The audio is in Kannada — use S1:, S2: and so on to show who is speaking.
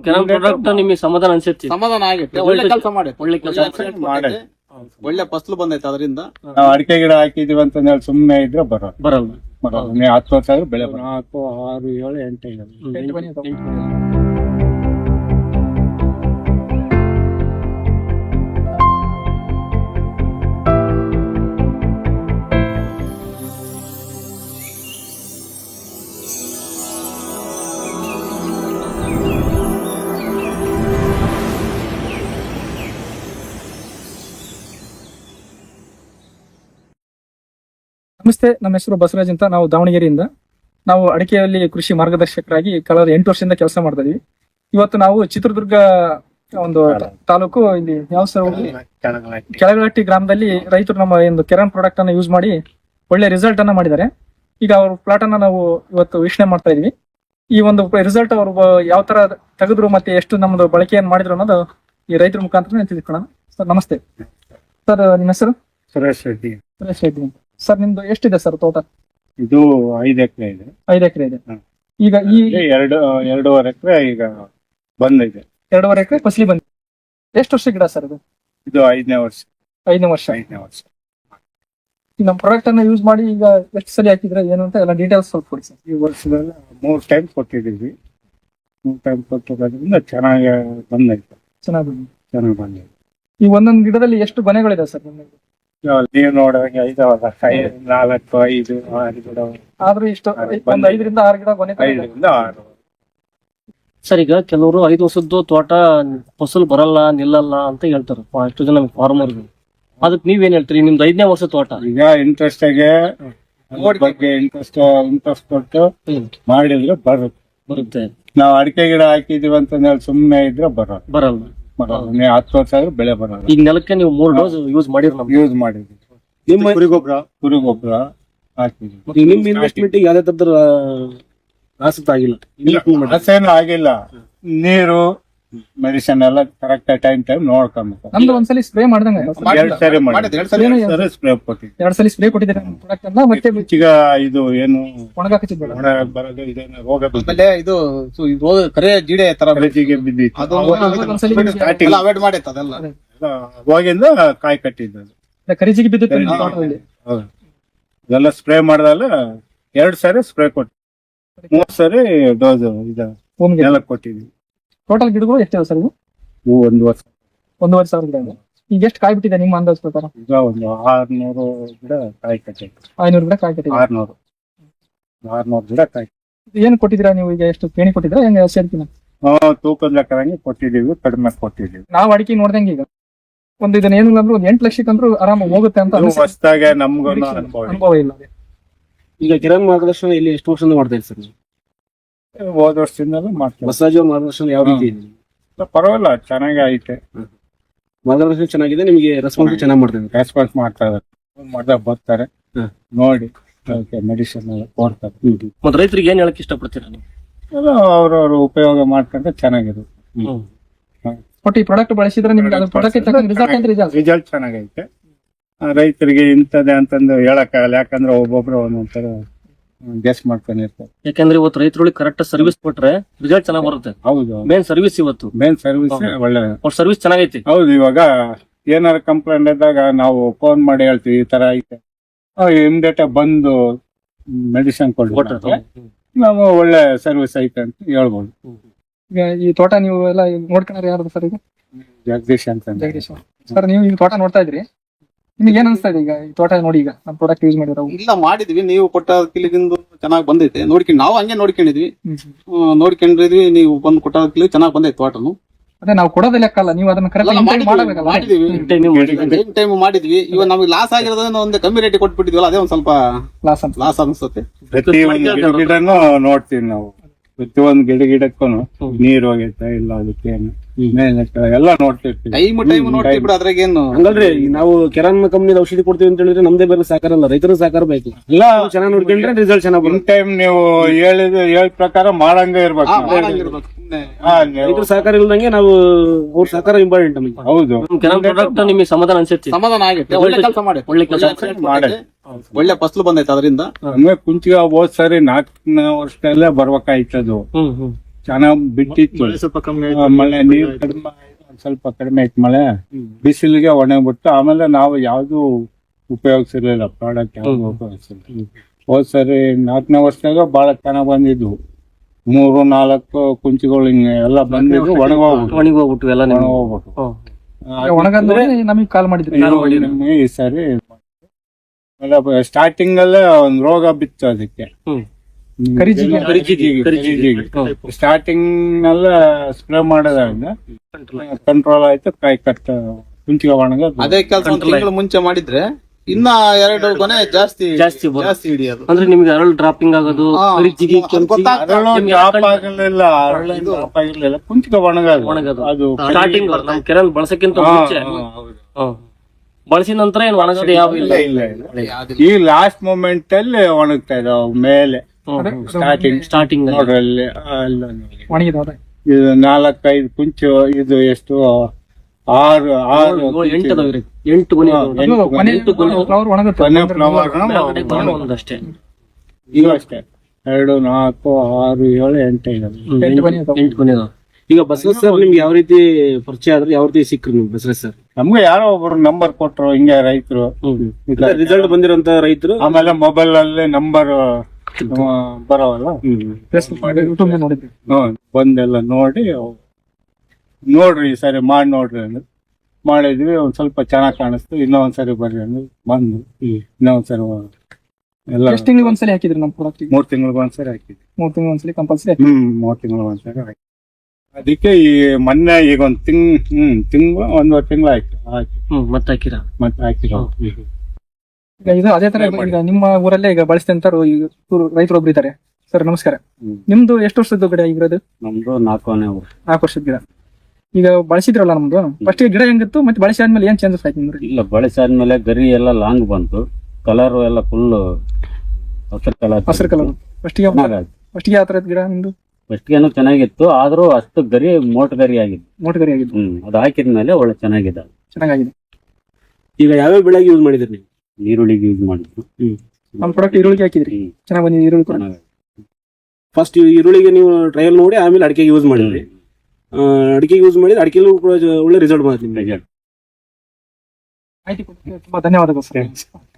S1: ಕೆಲವು ಪ್ರಾಡಕ್ಟ್ ನಿಮಗೆ ಸಮಾಧಾನ ಅನ್ಸುತ್ತೆ?
S2: ಸಮಾಧಾನ ಆಗೈತೆ, ಒಳ್ಳೆ ಕೆಲಸ ಮಾಡೈತೆ,
S1: ಒಳ್ಳೆ ಕೆಲಸ
S2: ಒಳ್ಳೆ ಫಸಲು ಬಂದೈತೆ ಅದರಿಂದ.
S3: ನಾವು ಅಡಿಕೆ ಗಿಡ ಹಾಕಿದೀವಿ ಅಂತ ಹೇಳಿ ಸುಮ್ಮನೆ ಇದ್ರೆ ಬರೋದು
S1: ಬರಲ್ಲ.
S3: ನೀವು 10 ವರ್ಷ ಆದ್ರೂ ಬೆಳೆ 4, 6, 7, 8
S4: ನಮಸ್ತೆ, ನಮ್ಮ ಹೆಸರು ಬಸವರಾಜ್ ಅಂತ. ನಾವು ದಾವಣಗೆರೆಯಿಂದ. ನಾವು ಅಡಿಕೆಯಲ್ಲಿ ಕೃಷಿ ಮಾರ್ಗದರ್ಶಕರಾಗಿ ಕಳೆದ 8 ವರ್ಷದಿಂದ ಕೆಲಸ ಮಾಡ್ತಾ ಇದೀವಿ. ಇವತ್ತು ನಾವು ಚಿತ್ರದುರ್ಗ ಒಂದು ತಾಲೂಕು, ಇಲ್ಲಿ ಯಾವ ಸರ್, ಕೆಳಗಟ್ಟಿ ಗ್ರಾಮದಲ್ಲಿ ರೈತರು ನಮ್ಮ ಒಂದು ಕೆರಾನ್ ಪ್ರಾಡಕ್ಟ್ ಅನ್ನ ಯೂಸ್ ಮಾಡಿ ಒಳ್ಳೆ ರಿಸಲ್ಟ್ ಅನ್ನ ಮಾಡಿದ್ದಾರೆ. ಈಗ ಅವ್ರ ಪ್ಲಾಟ್ ಅನ್ನ ನಾವು ಇವತ್ತು ವೀಕ್ಷಣೆ ಮಾಡ್ತಾ ಇದೀವಿ. ಈ ಒಂದು ರಿಸಲ್ಟ್ ಅವರು ಯಾವ ತರ ತೆಗೆದ್ರು ಮತ್ತೆ ಎಷ್ಟು ನಮ್ದು ಬಳಕೆಯನ್ನು ಮಾಡಿದ್ರು ಅನ್ನೋದು ಈ ರೈತರ ಮುಖಾಂತರ ತಿಳ್ಕೊಳ್ಳೋಣ. ಸರ್ ನಮಸ್ತೆ. ಸರ್ ನಿಮ್ಮ ಹೆಸರು?
S3: ಸುರೇಶ್ ರೆಡ್ಡಿ.
S4: ಸುರೇಶ್ ರೆಡ್ಡಿ. ಸರ್ ನಿಮ್ದು ಎಷ್ಟಿದೆ ಸರ್ ತೋಟ?
S3: ಇದು 5 ಎಕರೆ ಇದೆ.
S4: 5 ಎಕರೆ ಇದೆ. ಈಗ ಈ
S3: 2.5 ಎಕರೆ ಈಗ ಬಂದಿದೆ.
S4: 2.5 ಎಕರೆ ಫಸಲಿ ಬಂದಿದೆ. ಎಷ್ಟು ವರ್ಷ ಗಿಡ ಸರ್ ಇದು?
S3: ಇದು 5ನೇ ವರ್ಷ.
S4: 5ನೇ ವರ್ಷ. ನಮ್ಮ ಪ್ರಾಡಕ್ಟ್ ಅನ್ನ ಯೂಸ್ ಮಾಡಿ ಈಗ ಎಷ್ಟು ಸಲ ಹಾಕಿದ್ರೆ ಏನು ಅಂತ ಎಲ್ಲ ಡೀಟೇಲ್ಸ್ ಸ್ವಲ್ಪ ಕೊಡಿ ಸರ್.
S3: ಈ ವರ್ಷದಲ್ಲಿ 3 ಟೈಮ್ ಕೊಟ್ಟಿದ್ದೀವಿ. 3 ಟೈಮ್ ಕೊಟ್ಟಿರೋದ್ರಿಂದ ಚೆನ್ನಾಗಿ ಬಂದೈತೆ. ಚೆನ್ನಾಗಿ ಬಂದಿದೆ.
S4: ಈ ಒಂದೊಂದು ಗಿಡದಲ್ಲಿ ಎಷ್ಟು ಗೊನೆಗಳಿದೆ ಸರ್?
S3: ನೀವು ನೋಡುವಾಗ 5, 4, 5, 6 ಗಿಡ.
S4: ಆದ್ರೂ ಇಷ್ಟು ಒಂದು 5 ರಿಂದ 6 ಗಿಡ ಗೊನೆ.
S3: 5 ರಿಂದ 6.
S1: ಸರ್, ಈಗ ಕೆಲವರು 5 ವರ್ಷದ್ದು ತೋಟ ಫಸಲು ಬರಲ್ಲ, ನಿಲ್ಲಲ್ಲ ಅಂತ ಹೇಳ್ತಾರೆ ಎಷ್ಟು ಜನ ಫಾರ್ಮರ್. ಅದಕ್ಕೆ ನೀವೇನ್ ಹೇಳ್ತೀರಿ? ನಿಮ್ದು 5ನೇ ವರ್ಷ ತೋಟ.
S3: ಈಗ ಇಂಟ್ರೆಸ್ಟ್ ಬಗ್ಗೆ ಇಂಟ್ರೆಸ್ಟ್ ಕೊಟ್ಟು ಮಾಡಿದ್ರೆ ಬರುತ್ತೆ. ನಾವು ಅಡಿಕೆ ಗಿಡ ಹಾಕಿದೀವಿ ಅಂತ ಹೇಳಿ ಸುಮ್ಮನೆ ಇದ್ರೆ ಬರಲ್ಲ. ನೀವು 10 ವರ್ಷ ಆದ್ರೂ ಬೆಳೆ ಬರಲ್ಲ.
S1: ಈಗ ನೆಲಕ್ಕೆ ನೀವು 3 ಡೋಸ್ ಯೂಸ್
S3: ಯೂಸ್ ಮಾಡಿದ್ವಿ.
S1: ನಿಮ್ಮ
S3: ಕುರಿಗೊಬ್ಬರ ಹಾಕಿದ್ವಿ.
S1: ನಿಮ್ ಇನ್ವೆಸ್ಟ್ಮೆಂಟ್ ಯಾವ್ದೇ ತರದ ಆಸಕ್ತಿ ಆಗಿಲ್ಲ?
S3: ಹಸೇನು ಆಗಿಲ್ಲ. ನೀರು ಮೆಡಿಸಿನ್ ಎಲ್ಲ ಕರೆಕ್ಟ್ ಟೈಮ್ ನೋಡ್ಕೊಬೇಕು.
S4: ನಮ್ದು ಒಂದ್ಸಲಿ ಸ್ಪ್ರೇ ಮಾಡ್ದಂಗ
S3: 2 ಸರಿ ಸ್ಪ್ರೇ ಕೊಟ್ಟಿದ್ವಿ.
S4: 2 ಸಲ ಸ್ಪ್ರೇ ಕೊಟ್ಟಿದ್ದೀರಾ ಪ್ರಾಡಕ್ಟ್ ಅನ್ನ? ಮತ್ತೆ
S3: ಈಗ ಇದು ಏನು
S4: ಒಣಗಾಕಿದ್ದು
S3: ಬರೋದು ಇದೇನು ರೋಗ
S2: ಆಮೇಲೆ ಇದು ಕರೆ ಜಿಡೆ ತರ
S3: ಬೆಳೆಜಿಗೆ ಬಿದ್ದಿತ್ತು.
S2: ಅವಾಯ್ಡ್ ಮಾಡೈತೆ ಅದೆಲ್ಲ.
S3: ಅವಾಗಿಂದ ಕಾಯಿ ಕಟ್ಟಿದ್ದು.
S4: ಕರಿಜಿಗೆ ಬಿದ್ದಿತ್ತು.
S3: ಇದೆಲ್ಲ ಸ್ಪ್ರೇ ಮಾಡ್ದಲ್ಲ 2 ಸರಿ ಸ್ಪ್ರೇ ಕೊಟ್ಟು 3 ಸರಿ ಡೋಸ್ ಎಲ್ಲ ಕೊಟ್ಟಿದ್ವಿ.
S4: ಟೋಟಲ್ ಗಿಡಗಳು ಎಷ್ಟಿದೆ ಸರ್?
S3: ಇವು 1 ವರ್ಷ.
S4: 1.5 ಸಾವಿರ ಗಿಡ ಇದೆ. ಈಗ ಎಷ್ಟು ಕಾಯಿ ಬಿಟ್ಟಿದೆ ನಿಮ್ಮ ಅಂದಾಜ್ ಪ್ರಕಾರ?
S3: ಈಗ ಒಂದು 600 ಗಿಡ ಕಾಯಿ ಕಟ್ಟಿತ್ತು.
S4: 500 ಗಿಡ ಕಾಯಿ ಕಟ್ಟಿದೆ.
S3: 600 ಗಿಡ ಕಾಯಿ.
S4: ಏನ್ ಕೊಟ್ಟಿದ್ದೀರಾ ನೀವು? ಈಗ ಎಷ್ಟು ಪೇಣಿ ಕೊಟ್ಟಿದ್ದೀರಾ? ಹೆಂಗ ಸೇರ್ತೀನಿ?
S3: ತೂಕದ ಲೆಕ್ಕದಂಗೆ ಕೊಟ್ಟಿದ್ದೀವಿ, ಕಡಿಮೆ ಕೊಟ್ಟಿದ್ದೀವಿ.
S4: ನಾವು ಅಡಿಕೆ ನೋಡ್ದಂಗೆ ಈಗ ಒಂದು ಇದನ್ನ ಏನಿಲ್ಲ ಅಂದ್ರೆ ಒಂದು 8 ಲಕ್ಷಕ್ಕಂದ್ರೂ ಆರಾಮಾಗಿ ಹೋಗುತ್ತೆ ಅಂತ
S3: ಹೊಸದಾಗೆ ನಮ್ಗೂ
S4: ಅನುಭವ ಇಲ್ಲ.
S1: ಈಗ ಕಿರಣ್ ಮಾರ್ಗದರ್ಶನ ಇಲ್ಲಿ ಎಷ್ಟು ವರ್ಷದಿಂದ ಮಾಡ್ತಾ ಇದ್ದೀರಿ ಸರ್?
S3: ಹೋದ ವರ್ಷದಿಂದಲೂ ಮಾಡ್ತೀವಿ.
S1: ಬಸವರಾಜ್ ಅವ್ರ ಮಾರ್ಗದರ್ಶನ ಯಾವ ರೀತಿ ಇದೆ?
S3: ಪರವಾಗಿಲ್ಲ, ಚೆನ್ನಾಗಿ ಐತೆ.
S1: ಮಾರ್ಗದರ್ಶನ ಚೆನ್ನಾಗಿದೆ, ನಿಮಗೆ ರೆಸ್ಪಾನ್ಸ್ ಚೆನ್ನಾಗಿ ಮಾಡ್ತಾರೆ.
S3: ರೆಸ್ಪಾನ್ಸ್ ಮಾಡ್ದಾಗ ಬರ್ತಾರೆ, ನೋಡಿ ಮೆಡಿಸಿನ್ ಎಲ್ಲ ಕೊಡ್ತಾರೆ.
S1: ಮತ್ತೆ ರೈತರಿಗೆ ಏನ್ ಹೇಳಕ್ ಇಷ್ಟಪಡ್ತೀರಾ ನೀವು?
S3: ಅವ್ರವ್ರ ಉಪಯೋಗ ಮಾಡ್ಕೊಂಡ್ರೆ ಚೆನ್ನಾಗಿರುತ್ತೆ.
S4: ಒಟ್ಟು ಈ ಪ್ರಾಡಕ್ಟ್ ಬಳಸಿದ್ರೆ ನಿಮ್ಗೆ ಅದ್ರ ಪ್ರಾಡಕ್ಟ್
S3: ರಿಸಲ್ಟ್ ಚೆನ್ನಾಗೈತೆ. ರೈತರಿಗೆ ಇಂಥದ್ದೇ ಅಂತಂದು ಹೇಳಕ್ಕಾಗಲ್ಲ, ಯಾಕಂದ್ರೆ ಒಬ್ಬೊಬ್ರು ಒಂದೊಂಥರ ಗೆಸ್ ಮಾಡ್ಕೊಂಡಿರ್ತಾರೆ.
S1: ಯಾಕಂದ್ರೆ ಇವತ್ತು ರೈತರಿಗೆ ಕರೆಕ್ಟ್ ಸರ್ವಿಸ್ ಕೊಟ್ರೆ ರಿಸಲ್ಟ್ ಚೆನ್ನಾಗಿ ಬರುತ್ತೆ.
S3: ಹೌದು,
S1: ಮೇನ್ ಸರ್ವಿಸ್ ಇವತ್ತು
S3: ಮೇನ್ ಸರ್ವಿಸ್ ಒಳ್ಳೆ
S1: ಸರ್ವಿಸ್ ಚೆನ್ನಾಗೈತಿ.
S3: ಹೌದು, ಇವಾಗ ಏನಾರ ಕಂಪ್ಲೇಂಟ್ ಇದ್ದಾಗ ನಾವು ಫೋನ್ ಮಾಡಿ ಹೇಳ್ತೀವಿ ಈ ತರ ಐತೆ, ಇಮಿಡಿಯೇಟ್ ಬಂದು ಮೆಡಿಸಿನ್ ಕೊಡ್ತಾರೆ. ನಾವು ಒಳ್ಳೆ ಸರ್ವಿಸ್ ಐತೆ ಅಂತ ಹೇಳ್ಬೋದು.
S4: ಈಗ ಈ ತೋಟ ನೀವು ಎಲ್ಲ ನೋಡ್ಕೊಂಡ್ರೆ ಯಾರು ಸರ್? ಈಗ
S3: ಜಗದೀಶ್ ಅಂತ.
S4: ಜಗದೀಶ್ ಸರ್, ನೀವು ಈ ತೋಟ ನೋಡ್ತಾ ಇದ್ರಿ, ನಿಮ್ಗೆ ಏನ್ ಅನ್ಸ್ತಾ ಇದೆ ಈಗ ಈ ತೋಟ ನೋಡಿ? ಈಗ ನಮ್ಮ ಪ್ರಾಡಕ್ಟ್ ಯೂಸ್ ಮಾಡಿರೋ
S2: ಇಲ್ಲ ಮಾಡಿದ್ವಿ, ನೀವು ಕೊಟ್ಟ ಕಿಲಿಗಿಂದು ಚೆನ್ನಾಗಿ ಬಂದೈತೆ. ನೋಡ್ಕೊಂಡು ನಾವು ಹಂಗೆ ನೋಡ್ಕೊಂಡಿದ್ವಿ, ನೀವು ಬಂದು ಕೊಟ್ಟ ಕಿಲಿ ಚೆನ್ನಾಗಿ ಬಂದೈತೆ ತೋಟನು.
S4: ಅದೇ ನಾವು ಕೊಡೋದೇ ಲೆಕ್ಕಲ್ಲ, ನೀವು ಅದನ್ನ ಕರೆಕ್ಟ್
S2: ಮಾಡಿದ್ವಿ. ಇವಾಗ ನಮಗೆ ಲಾಸ್ ಆಗಿರೋದನ್ನ ಒಂದು ಕಮ್ಮಿ ರೇಟ್ ಕೊಟ್ಬಿಟ್ಟಿದ್ವಲ್ಲ, ಅದೇ ಒಂದ್ ಸ್ವಲ್ಪ ಲಾಸ್ ಅನ್ಸುತ್ತೆ.
S3: ಗಿಡನು ನೋಡ್ತೀವಿ ನಾವು, ಪ್ರತಿಯೊಂದು ಗಿಡಕ್ಕೂ ನೀರ್ ಹೋಗೈತೆ ಇಲ್ಲ, ಅದಕ್ಕೆ ಎಲ್ಲ ನೋಡ್ತಿರ್ತೀವಿ.
S2: ಟೈಮ್ ನೋಡ್ತೀವಿ ಬಿಡು, ಅದ್ರಾಗೇನು
S1: ಹಂಗಲ್ರಿ. ನಾವು ಕೆರಾನ್ ಕಂಪ್ನಿ ಔಷಧಿ ಕೊಡ್ತೀವಿ ಅಂತ ಹೇಳಿದ್ರೆ ನಮ್ದೇ ಬೇರೆ ಸಹಕಾರ ಅಲ್ಲ, ರೈತರ ಸಹಕಾರ ಬೇಕು. ಎಲ್ಲ ಚೆನ್ನಾಗಿ ನೋಡ್ಕೊಂಡ್ರೆ ರಿಸಲ್ಟ್ ಚೆನ್ನಾಗಿ ಬರುತ್ತೆ.
S3: ಟೈಮ್ ನೀವು ಹೇಳಿದ ಪ್ರಕಾರ ಮಾಡಂಗೆ ಇರ್ಬೇಕು.
S1: ರೈತರ ಸಹಕಾರ ಇಲ್ದಂಗೆ ನಾವು ಅವ್ರ ಸಹಕಾರ ಇಂಪಾರ್ಟೆಂಟ್ ನಮಗೆ.
S3: ಹೌದು,
S1: ಕೆರಾನ್ ಪ್ರಾಡಕ್ಟ್ ನಿಮಗೆ ಸಮಾಧಾನ ಅನ್ಸುತ್ತೆ?
S2: ಸಮಾಧಾನ ಆಗೈತೆ, ಒಳ್ಳೆ ಕೆಲಸ ಮಾಡಿ, ಒಳ್ಳೆ ಫಸಲು ಬಂದೈತೆ ಅದರಿಂದ.
S3: ಕುಂಚಿಗೆ ಹೋದ್ ಸರಿ 4ನೇ ವರ್ಷದಲ್ಲೇ ಬರ್ಬೇಕಾಯ್ತದು. ಚೆನ್ನಾಗ್ ಬಿಟ್ಟಿತ್ತು.
S2: ಸ್ವಲ್ಪ ಕಮ್ಮಿ
S3: ಮಳೆ ನೀರು ಕಡಿಮೆ ಆಯ್ತು, ಒಂದ್ ಸ್ವಲ್ಪ ಕಡಿಮೆ ಆಯ್ತು ಮಳೆ, ಬಿಸಿಲಿಗೆ ಒಣಗ್ಬಿಟ್ಟು ಆಮೇಲೆ ನಾವು ಯಾವ್ದು ಉಪಯೋಗಿಸಿರ್ಲಿಲ್ಲ, ಪ್ರಾಡಕ್ಟ್ ಯಾವ್ದು ಉಪಯೋಗಿಸಿರ್ಲಿಲ್ಲ. ಹೋದ್ ಸರಿ 4ನೇ ವರ್ಷದಾಗ ಬಹಳ ಚೆನ್ನಾಗ್ ಬಂದಿದ್ವು, 3-4 ಕುಂಚಿಗಳು ಹಿಂಗೆ ಎಲ್ಲ ಬಂದಿದ್ವು,
S1: ಒಣಗೋಗ್ಬಿಟ್ಟು ಎಲ್ಲ
S3: ಒಣಗೋಗ್ಬಿಟ್ಟು.
S4: ಒಣಗಂದ್ರೆ ನಮಗೆ ಕಾಲ್ ಮಾಡಿದ್ರಿ.
S3: ನಮ್ಗೆ ಈ ಸರಿ ಸ್ಟಾರ್ಟಿಂಗ್ ಅಲ್ಲೇ ಒಂದ್ ರೋಗ ಬಿತ್ತು ಅದಕ್ಕೆ, ಸ್ಟಾರ್ಟಿಂಗ್ ನಲ್ಲ ಸ್ಪ್ರೇ ಮಾಡೋದ್ರಿಂದ ಕಂಟ್ರೋಲ್ ಆಯ್ತು, ಕಾಯಿ ಕಟ್ಟ ಕುಂಚಿಗೆ ಒಣಗ.
S2: ಅದೇ ಕೆಲಸ ಒಂದು ತಿಂಗಳು ಮುಂಚೆ ಮಾಡಿದ್ರೆ ಇನ್ನ 2 ಗೊನೆ ಜಾಸ್ತಿ
S1: ಜಾಸ್ತಿ
S2: ಹಿಡಿಯೋದು.
S1: ಅಂದ್ರೆ ನಿಮ್ಗೆ ಅರಳು ಡ್ರಾಪಿಂಗ್ ಆಗೋದು, ಕರಿಜಿಗಿ,
S3: ಆಗಿರ್ಲಿಲ್ಲ, ಕುಂಚಿಗೆ ಒಣಗೋದು. ಅದು
S1: ಸ್ಟಾರ್ಟಿಂಗ್ ನಮ್ ಕೆರೆ ಬಳಸಕ್ಕಿಂತ ಮುಂಚೆ ಬಳಸಿದ ನಂತರ ಏನ್ ಒಣಗೋದು ಯಾವ ಇಲ್ಲ.
S3: ಈ ಲಾಸ್ಟ್ ಮೂಮೆಂಟ್ ಅಲ್ಲಿ ಒಣಗ್ತಾ ಇದಾವ ಮೇಲೆ.
S1: ಸ್ಟಾರ್ಟಿಂಗ್
S3: ನೋಡ್ರಿ ಅಲ್ಲಿ
S4: ಒಣಗಿದವ
S3: ಇದು 4-5 ಕುಂಚು, ಇದು ಎಷ್ಟು 6
S1: 8 ಗೊನೆ
S4: ಫ್ಲವರ್ ಒಣಗುತ್ತೆ.
S1: ಒಂದಷ್ಟೇ
S3: ಈಗ ಅಷ್ಟೇ 2, 4, 6, 7, 8
S1: 8 ಗೊನೆ ಅದಾವ. ಈಗ ಬಸವರಾಜ್ ಸರ್ ನಿಮ್ಗೆ ಯಾವ ರೀತಿ ಪರಿಚಯ ಆದ್ರೆ ಯಾವ ರೀತಿ ಸಿಕ್ಕ್ರು ನಿಮ್ಗೆ ಬಸವರಾಜ್ ಸರ್?
S3: ನಮ್ಗೆ ಯಾರೋ ಒಬ್ರು ನಂಬರ್ ಕೊಟ್ರು, ಹಿಂಗೆ ರೈತರು
S1: ರಿಸಲ್ಟ್ ಬಂದಿರೋಂತ ರೈತರು.
S3: ಆಮೇಲೆ ಮೊಬೈಲ್ ಅಲ್ಲಿ ನಂಬರ್ ಬರೋವಲ್ಲ,
S4: ನೋಡಿದ್ರಿ,
S3: ಬಂದೆಲ್ಲ ನೋಡ್ರಿ ಈ ಸರಿ ಮಾಡಿ ನೋಡ್ರಿ ಅಂದ್ರೆ ಮಾಡಿದ್ವಿ. ಒಂದ್ ಸ್ವಲ್ಪ ಚೆನ್ನಾಗ್ ಕಾಣಿಸ್ತು, ಇನ್ನೊಂದ್ಸರಿ ಬರ್ರಿ ಅಂದ್ರೆ ಬಂದು ಇನ್ನೊಂದ್ಸರಿ ಎಲ್ಲ.
S4: ಎಷ್ಟು ತಿಂಗಳಿಗೆ ಒಂದ್ಸಲಿ ಹಾಕಿದ್ರಿ ನಮ್ಮ ಪ್ರಾಡಕ್ಟ್?
S3: 3 ತಿಂಗಳಿಗೆ ಒಂದ್ಸರಿ ಹಾಕಿದ್ವಿ.
S4: 3 ತಿಂಗಳಿಗೆ ಒಂದ್ಸಲಿ ಕಂಪಲ್ಸರಿ.
S3: 3 ತಿಂಗಳಿಗೆ ಒಂದ್ಸರಿ ಹಾಕಿ. ಅದಕ್ಕೆ ಈ ಮೊನ್ನೆ ಈಗ ಒಂದೂವರೆ ತಿಂಗಳು ಆಯ್ತು ಹಾಕಿ.
S1: ಮತ್ತೆ ಹಾಕಿರ
S3: ಮತ್ತೆ ಹಾಕಿರೋ.
S4: ಈಗ ಇದು ಅದೇ ತರ ಈಗ ನಿಮ್ಮ ಊರಲ್ಲೇ ಈಗ ಬಳಸ್ತಂತಾರು ರೈತರು ಒಬ್ರು ಇದ್ದಾರೆ. ಸರ್ ನಮಸ್ಕಾರ. ನಿಮ್ದು ಎಷ್ಟು ವರ್ಷದ ಗಿಡ ಇರೋದು?
S3: ನಮ್ದು 4
S4: ವರ್ಷದ ಗಿಡ. ಈಗ ಬಳಸಿದ್ರಲ್ಲ ನಮ್ದು, ಫಸ್ಟ್ ಗಿಡ ಹೆಂಗಿತ್ತು ಮತ್ತೆ ಬಳಸಿದ್ಮೇಲೆ ಏನ್ ಚೇಂಜಸ್ ಆಯ್ತು ನಿಮ್ಗೆ?
S5: ಇಲ್ಲ, ಬಳಸಾದ್ಮೇಲೆ ಗರಿ ಎಲ್ಲ ಲಾಂಗ್ ಬಂತು, ಕಲರ್ ಎಲ್ಲ ಫುಲ್
S4: ಹಸಿರು ಕಲರ್. ಫಸ್ಟಿಗೆ ಯಾವ ತರ ಗಿಡ ನಿಮ್ದು?
S5: ಫಸ್ಟ್ಗೇನು ಚೆನ್ನಾಗಿತ್ತು, ಆದ್ರೂ ಅಷ್ಟು ಗರಿ ಮೋಟ್ ಗರಿ ಆಗಿತ್ತು.
S4: ಮೋಟ್ ಗರಿ ಆಗಿತ್ತು.
S5: ಅದು ಹಾಕಿದ್ಮೇಲೆ ಒಳ್ಳೆ ಚೆನ್ನಾಗಿದೆ.
S1: ಈಗ ಯಾವ್ಯಾವ ಬೆಳೆಗೆ ಯೂಸ್ ಮಾಡಿದ್ರಿ ನೀವು?
S5: ಈರುಳ್ಳಿಗೆ ಯೂಸ್ ಮಾಡಿದ್ರು.
S4: ನಮ್ಮ ಪ್ರಾಡಕ್ಟ್ ಈರುಳ್ಳಿಗೆ ಹಾಕಿದ್ರಿ, ಚೆನ್ನಾಗಿ ಬಂದಿದೆ ಈರುಳ್ಳಿ ಕೂಡ.
S1: ಫಸ್ಟ್ ಈರುಳ್ಳಿಗೆ ನೀವು ಟ್ರಯಲ್ ನೋಡಿ ಆಮೇಲೆ ಅಡಿಕೆಗೆ ಯೂಸ್ ಮಾಡಿದ್ರಿ. ಅಡಿಕೆಗೆ ಯೂಸ್ ಮಾಡಿದ್ರೆ ಅಡಿಕೆಲ್ಲೂ ಕೂಡ ಒಳ್ಳೆ ರಿಸಲ್ಟ್ ಬಂದಿದೆ.
S4: ಮಾಹಿತಿ ಕೊಟ್ಟಿದ್ದಕ್ಕೆ ತುಂಬಾ ಧನ್ಯವಾದಗಳು ಸರ್.